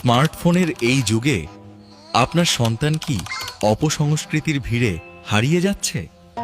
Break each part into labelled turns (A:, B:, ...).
A: স্মার্টফোনের এই যুগে আপনার সন্তান কি অপসংস্কৃতির ভিড়ে হারিয়ে যাচ্ছে?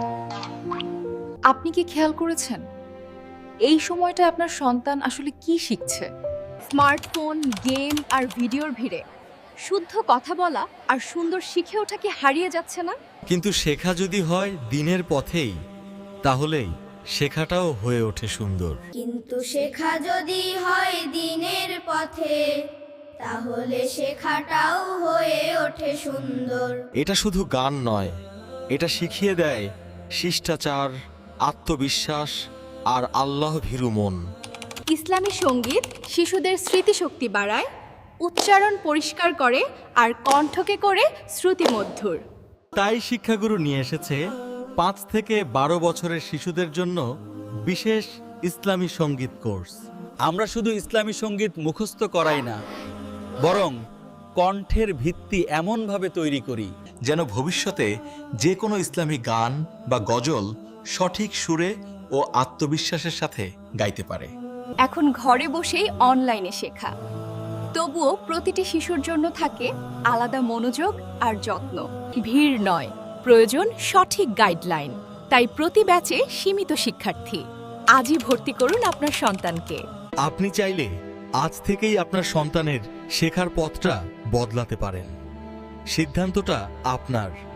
B: আপনি কি খেয়াল করেছেন এই সময়টা আপনার সন্তান আসলে কি শিখছে?
C: স্মার্টফোন, গেম আর ভিডিওর ভিড়ে শুদ্ধ কথা বলা আর সুন্দর শিখে ওঠা কি হারিয়ে যাচ্ছে না?
A: কিন্তু শেখা যদি হয় দিনের পথেই, তাহলেই শেখাটাও হয়ে ওঠে সুন্দর।
D: কিন্তু শেখা যদি হয় দিনের পথে, তাহলে শেখাটাও হয়ে ওঠে সুন্দর।
A: এটা শুধু গান নয়, এটা শিখিয়ে দেয় শিষ্টাচার, আত্মবিশ্বাস আর আল্লাহ ভীরু মন।
C: ইসলামী সঙ্গীত শিশুদের স্মৃতিশক্তি বাড়ায়, উচ্চারণ পরিষ্কার করে আর কণ্ঠকে করে শ্রুতিমধুর।
A: তাই শিক্ষাগুরু নিয়ে এসেছে 5 থেকে 12 বছরের শিশুদের জন্য বিশেষ ইসলামী সঙ্গীত কোর্স।
E: আমরা শুধু ইসলামী সঙ্গীত মুখস্থ করাই না, বরং কণ্ঠের ভিত্তি এমনভাবে তৈরি করি
A: যেন ভবিষ্যতে যে কোনো ইসলামী গান বা গজল সঠিক সুরে ও আত্মবিশ্বাসের সাথে গাইতে পারে।
C: এখন ঘরে বসেই অনলাইনে শেখা, তবুও প্রতিটি শিশুর জন্য থাকে আলাদা মনোযোগ আর যত্ন। ভিড় নয়, প্রয়োজন সঠিক গাইডলাইন। তাই প্রতি ব্যাচে সীমিত শিক্ষার্থী। আজই ভর্তি করুন আপনার সন্তানকে।
A: আপনি চাইলে আজ থেকেই আপনার সন্তানের শেখার পথটা বদলাতে পারেন। সিদ্ধান্তটা আপনার।